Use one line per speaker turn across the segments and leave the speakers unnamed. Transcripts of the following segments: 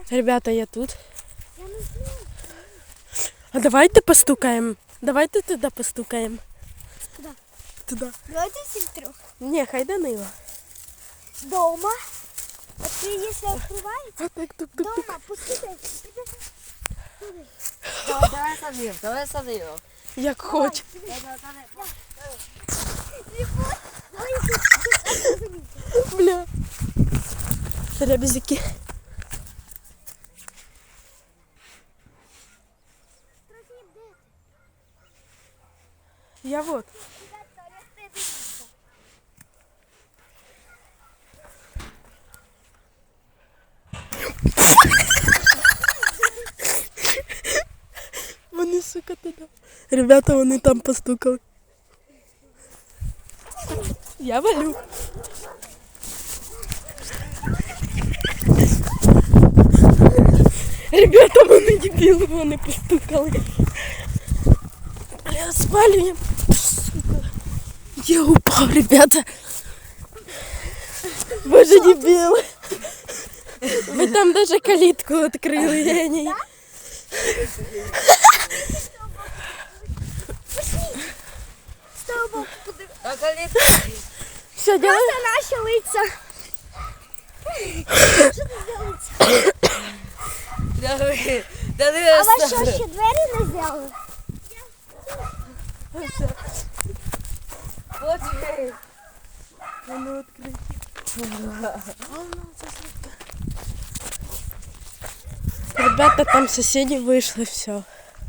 Ребята, я тут.
Я не знаю.
А давайте постукаем. Давайте туда постукаем.
Куда?
Туда.
Давайте всіх трьох.
Не, хай Данила.
Дома. От якщо відкривається,
А так тук-тук-тук.
дома, пустите.
Давай садимо.
Як хоч. Бля. Ребезики. Я вот. Вони, сука, туди. Ребята, вони там постукали. Я валю. Ребята, вони дебіли, вони постукали. Бля, спалюємо. Сука. Я упав, ребята. Боже, дебіли. Ви там даже калитку відкрили, я не...
З того боку подивись.
А калітка?
Що делаем?
Це наші лиця. Що тут за лиця? А вас що, ще двері не взяли?
Воно відкрите. Ребята, там соседи вышли, все.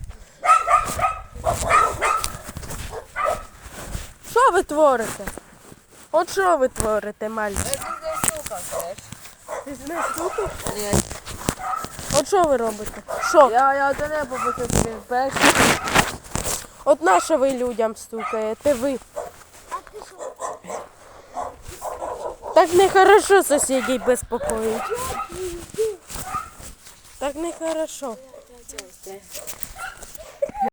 Що ви творите? От що ви творите, мальчик? Ти не стукав?
Ні.
От що ви робите? Що?
Я до неба посадив перший.
От на що ви людям стукаєте? Ви.
А ти що?
Так нехорошо сусідей безпокоїть. Так нехорошо.